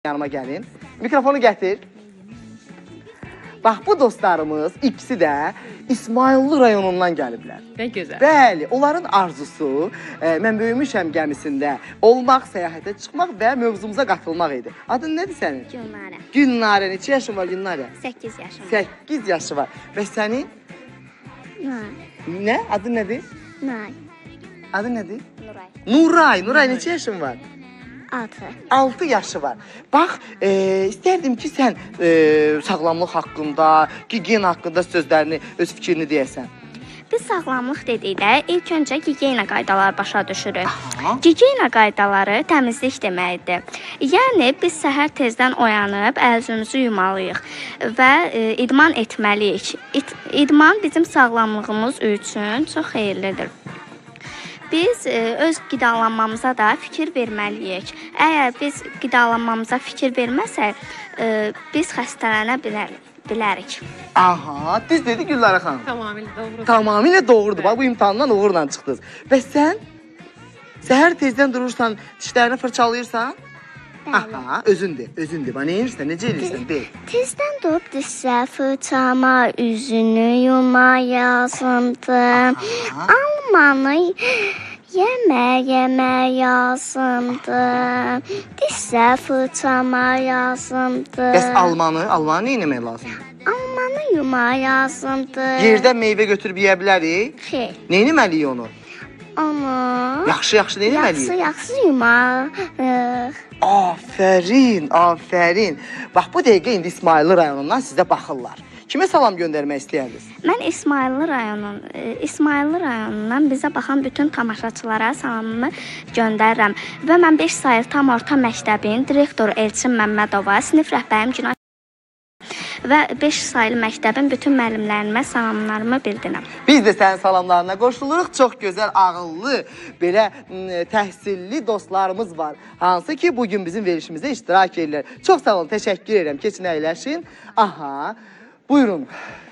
yanıma gəlin. Mikrofonu gətir. Bax, bu dostlarımız ikisi də İsmayıllı rayonundan gəliblər. Nə gözəl. Bəli, onların arzusu mən böyümüşəm gəmisində olmaq, səyahətə çıxmaq və mövzumuza qatılmaq idi. Adın nədir sənin? Gülnarə. Gülnarə. Neçə yaşın var Gülnarə? 8 yaşım var. 8 yaşı var. Və sənin? Nay. Nə? Adın nədir? Nay. Adın nədir? Nuray. Nuray. Nuray neçə yaşın var? 6. 6 yaşı var. Bax, istərdim ki, sən sağlamlıq haqqında, gigiyen haqqında sözlərini, öz fikrini deyəsən. Biz sağlamlıq dedikdə ilk öncə gigiyena qaydaları başa düşürük. Aha. Gigiyena qaydaları təmizlik deməkdir. Yəni biz səhər tezdən oyanıb əl-üzümüzü yumalıyıq və idman etməliyik. İdman bizim sağlamlığımız üçün çox xeyirlidir. Biz öz qidalanmamıza da fikir verməliyik. Əgər biz qidalanmamıza fikir verməsək, biz xəstələnə bilərik. Aha, düz dedi Gülnarə xanım. Tamamilə doğru. Tamamilə doğrudur. Bax, bu imtahandan uğurla çıxdınız. Bəs sən səhər tezdən durursan, dişlərini fırçalayırsan? Aha, özündür. Bax, nə edirsən, necə edirsən? Deyil. Tezdən durub dişlər fırçalama, üzünü yuma lazımdır. Almanı yemək lazımdır. Dişlər fırçalama lazımdır. Bəs almanı nə etmək lazımdır? Almanı yuma lazımdır. Yerdən meyvə götürüb yeyə bilərik? Xeyr. Nə etməliyik onu? Onu Yaxşı nə etməliyik? yaxşı yumarıq. Afərin. Bax, bu dəqiqə indi İsmayıllı rayonundan sizə baxırlar. Kimə salam göndərmək istəyirsiniz? Mən İsmayıllı rayonundan bizə baxan bütün tamaşaçılara salamımı göndərirəm. Və mən 5 saylı tam orta məktəbin direktoru Elçin Məmmədova, sinif rəhbərim Günay və 5 saylı məktəbin bütün müəllimlərimə salamlarımı bildirirəm. Biz də sənin salamlarına qoşuluruq. Çox gözəl, ağıllı, belə təhsilli dostlarımız var. Hansı ki, bugün bizim verilişimizdə iştirak edirlər. Çox sağ olun, təşəkkür edirəm. Keçin əyləşin. Aha, buyurun.